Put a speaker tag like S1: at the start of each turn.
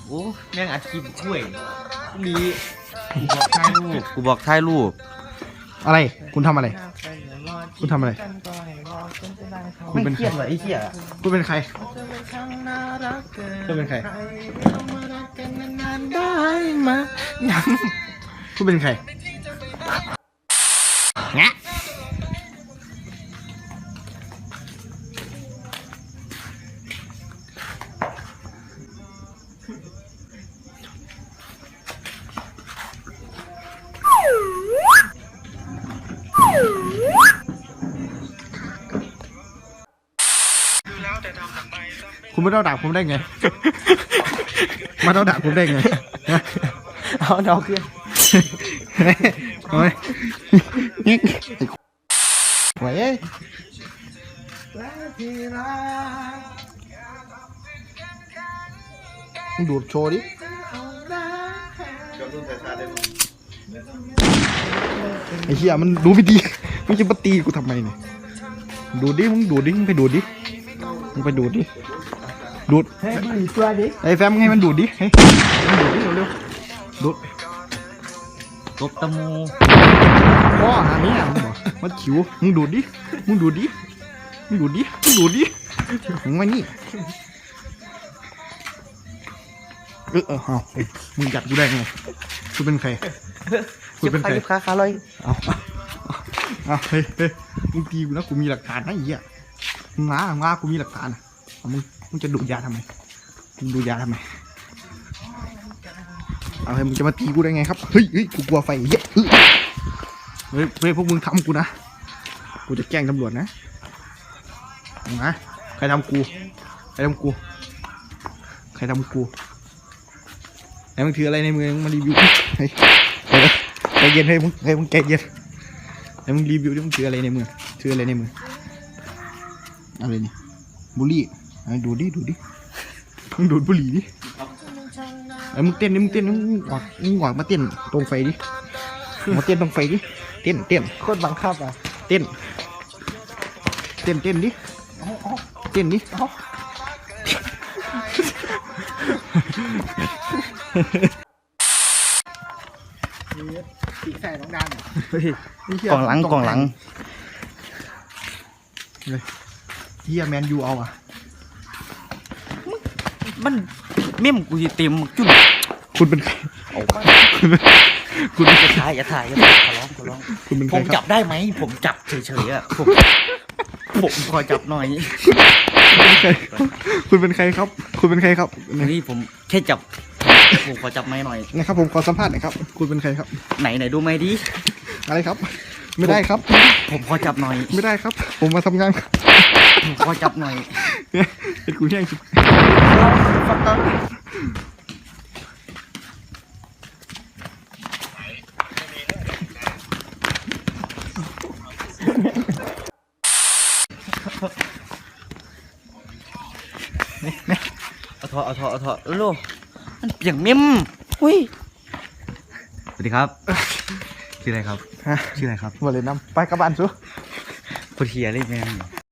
S1: โอ้แม่งอัดคลิปช่วยมีกูบอกถ่ายรูป
S2: อะไรคุณทำอะไรคุณทำอะไรคุณเป็น
S1: เครียดเหรอไอ้เหี้ย
S2: คุณเป็นใครคุณเป็นใครคุณเป็นใครงะคุณไม่ต้องด่าผมได้ไง มาต้องด่าผมได้ไง
S1: เอาเนาขึ้น
S2: โอ้ยไหวเอ้ยมึงดูดโชว์ดิไอ้เหี้ยมันดูไม่ดีมึงจะมาตีกูทำไมเนี่ยดูดิมึงดูดิมึงไปดูดิมึงไปดูดิดูดให้มันอีกตัวดิไอ้แฟมให้มันดูดดิให้มันดูดดิเร็วๆดูด
S1: ตบตะมู
S2: พ่อหาเนี่ยมึงบอกมันขิวมึงดูดดิมึงดูดดิมึงดูดดิมึงดูดดิมึงมานี่เอามึงจับกูได้ไงกูเป็นใครกูเป็นใคร
S1: ขาเลย
S2: เอาเฮ้ยมึงตีกูนะกูมีหลักฐานนะไอ้เหี้ยมึงมากูมีหลักฐานนะมึงจะดูดยาทำไมมึงดูยาทำไมเอาเฮ้ยมึงจะมาตีกูได้ไงครับเฮ้ยกูกลัวไฟเหี้ยเฮ้ยพวกมึงทำกูนะกูจะแกล้งตำรวจนะมาใครทำกูใครทำกูใครทำกูไหนมึงถืออะไรในมือมึงมารีวิวเฮ้ยใจเย็นให้มึงใจเย็นไหนมึงรีวิวดิมึงถืออะไรในมือถืออะไรในมืออะไรนี่บุหรี่ดูดิมึงดูดบุหรี่ดิไอ้มึงเต้นมึงหวังมาเต้นตรงไฟดิมาเต้นตรงไฟดิเต้นโคตรบังคับอ่ะเต้นดิเต้นดิตีใส่น้องดาน
S1: กล่องหลัง
S2: เลยเฮียแมนยูเอาอ่ะ
S1: มันเม่มกูเต็มจุ่ม
S2: คุณเป็นใคร คุณ
S1: อย่าถ่ายขอร้อง
S2: คุณเป็นใค
S1: ผ
S2: ร
S1: ม
S2: ค
S1: จั
S2: รั
S1: บบ ได้ไหมผมจับเฉยๆอ่ะผมขอจับหน่อย
S2: คุณเป็นใครครับ
S1: นี่ผมแค่จับผมขอจับไม้หน่อย
S2: นะครับผมขอสัมภาษณ์หน่อยครับคุณเป็นใครครับ
S1: ไหนดูไหมดิ
S2: อะไรครับ ไม่ได้ครับ
S1: ผมขอจับหน่อย
S2: ไม่ได้ครับ ผมมาทำงาน
S1: ผมขอจับหน่อย
S2: เป็นกูแย่งสุด
S1: เอาทอลูกมันเปียงเม่มอุ้ยสวัสดีครับชื่ออะไรครับ
S2: มาเลยน้ำไปกระบาลซู
S1: พูดเฮียเลยแม่